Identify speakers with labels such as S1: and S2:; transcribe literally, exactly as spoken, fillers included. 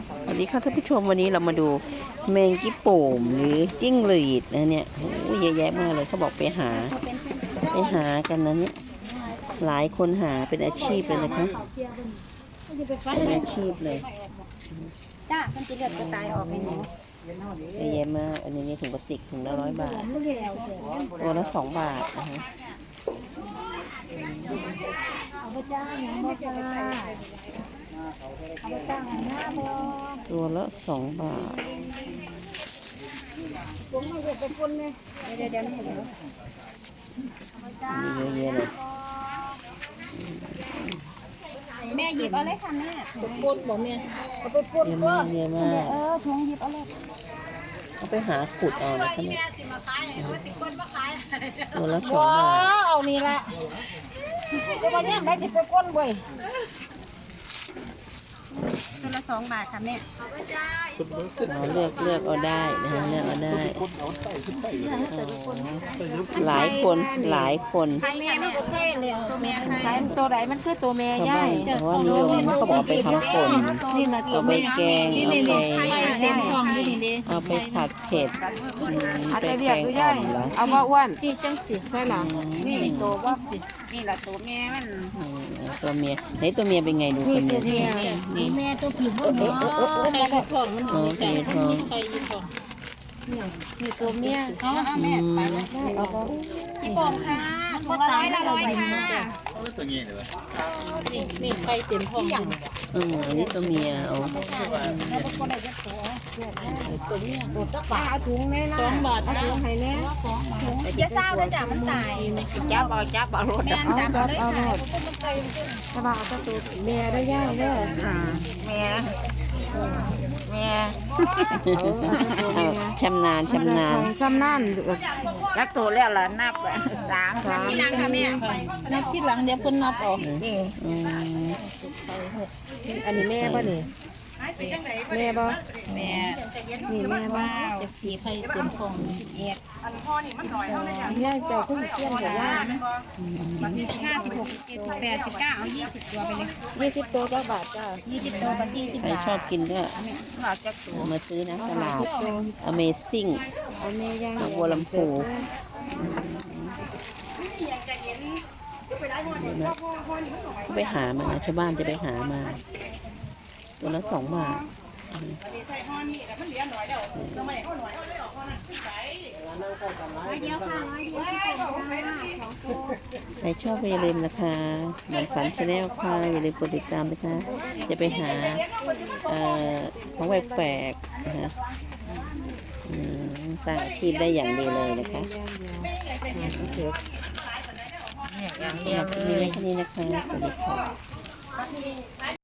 S1: สวัสดีค่ะท่านผู้ชมวันนี้เรามาดูแมงกี้โป่มหรือจิ้งหรีดนะเนี่ยโอ้ยเยอะแยะมากเลยเขาบอกไปหาไปหากันนะเนี่ยหลายคนหาเป็นอาชีพเลยนะคะเป็นอาชีพเลย
S2: จ้ามันจะเลือดกระตายออกไปหนู
S1: เยอะแยะมากอันนี้ถุงพลาสติกถุงละร้อยบาทตัวละสองบาทนะคะ
S2: เอาไปจ้าอย่างบ่จ้าเอาไปจ้าหน้าบ่
S1: ตัวละสองบาท
S2: ผมมาเก็บไปปนเลยเดี๋ยวเดี๋ยวนี่เดี๋ยว
S1: มีเยอะแยะเลย
S2: แม่หยิบเอาเลยค่ะแม่ไปปนบ่แม่เอาไปปน
S1: เยอะ
S2: ก็
S1: มากเยอะมาก
S2: เออถุงหยิบเอาเลย
S1: เอาไปหาขุดเอานะคะเนี่ยตัวละสอง
S2: ว้า
S1: บาท
S2: เอานี่ละเดี๋ยววันนี้ได้สิไปปนบ่ยตัวละสองบาทค่ะแม่
S1: เราเลือกเลือกเอาได้นะคะเลือกเอาได้หลายคนหลายคน
S2: ใครแม่แม่ตัวแม่ตัวแม่ใครตัวไหนมันคือตัวแม่
S1: ชาว
S2: ย่า
S1: บ้าย นเพราะว่านิยมเขาบอกเอาไปทำป่น
S2: นี่นะตัว
S1: เอาไป
S2: แม่
S1: แกงเอาไป
S2: เต็มท้องอยู่นี่ดิ
S1: เอาไปผัดเผ็ดอืม
S2: อาจ
S1: ไป
S2: จะ
S1: แก
S2: เรียก
S1: ง
S2: ก็
S1: อ่
S2: ได้
S1: อมเหรอ
S2: เอาว่าอ้วนที่จังสิใช่หรอนี่ตัวว่าสินี่แหละตัวแม่มัน
S1: อืมตัวเมียไหนตัวเมียเป็นไงดูตัวเมีย
S2: นี่นี่แม่ตัวผิวมันเนาะใครท้องมัน
S1: อ๋อตัวทอง
S2: ใครยืนท้องนี่ตัวเมียเอาเอา
S1: อื
S2: แม่
S1: ม
S2: ไปเอาไปพี่ปองค่ะตัวละร้อยละร้อยค่ะ นี่นี่ใครเต็มท้องอยู่
S1: อืมอันนี้ตัวเมียเอา
S2: ตัวเมียตัวจักบาทถุงแม่นะสองบาทถุงให้แน่อย่าเศร้านะจ๊ะมันตายจับเอาจับเอารถแม่จับเอาเลยค่ะถ้าว่าเอาตัวแม่ได้ย่ายเด้อแม่แม่
S1: ชำนาญชำนาญ
S2: ซ้ำนั่นรักตัวแล้วล่ะนับสามสามที่หลังค่ะแม่นับที่หลังเดี๋ยวเพิ่นนับออกนี่
S1: อืม
S2: อันนี้แม่ป่ะนี่แม่ป่ะแม่นี่แม่ป่ะจะสีไข่เต็มฟองสิบเอ็ดอันพ่อนี่มันหน่อยเท่าไหร่ย่าเจ้าขึ้นเตี้ยนแต่ย่าสี่สิบห้าสิบหกสิบเจ็ดสิบแปดสิบเก้าเอายี่สิบตัวไปเลยยี่สิบตัวเจ้าบาทจ้ายี่สิบตัวกับสี่สิบ
S1: ใคร
S2: บาท
S1: ชอบกินก็
S2: บาทจักตัว
S1: มาซื้อนะตลาด Amazing
S2: เอาแม่ย่าง
S1: บัวลำพูก็ไปหามาชาวบ้านจะไปหามา ตัวละสองบาทใครชอบอย่าลืมนะคะหมันฝันชาแนลค่ะอย่าลืมกดติดตามนะคะ จะไปหาเอ่อของแปลกๆนะคะอืมสร้างอาชีพได้อย่างดีเลยนะคะอย่างเดียวเลยแค่นี้นะคะสวัสดีค่ะ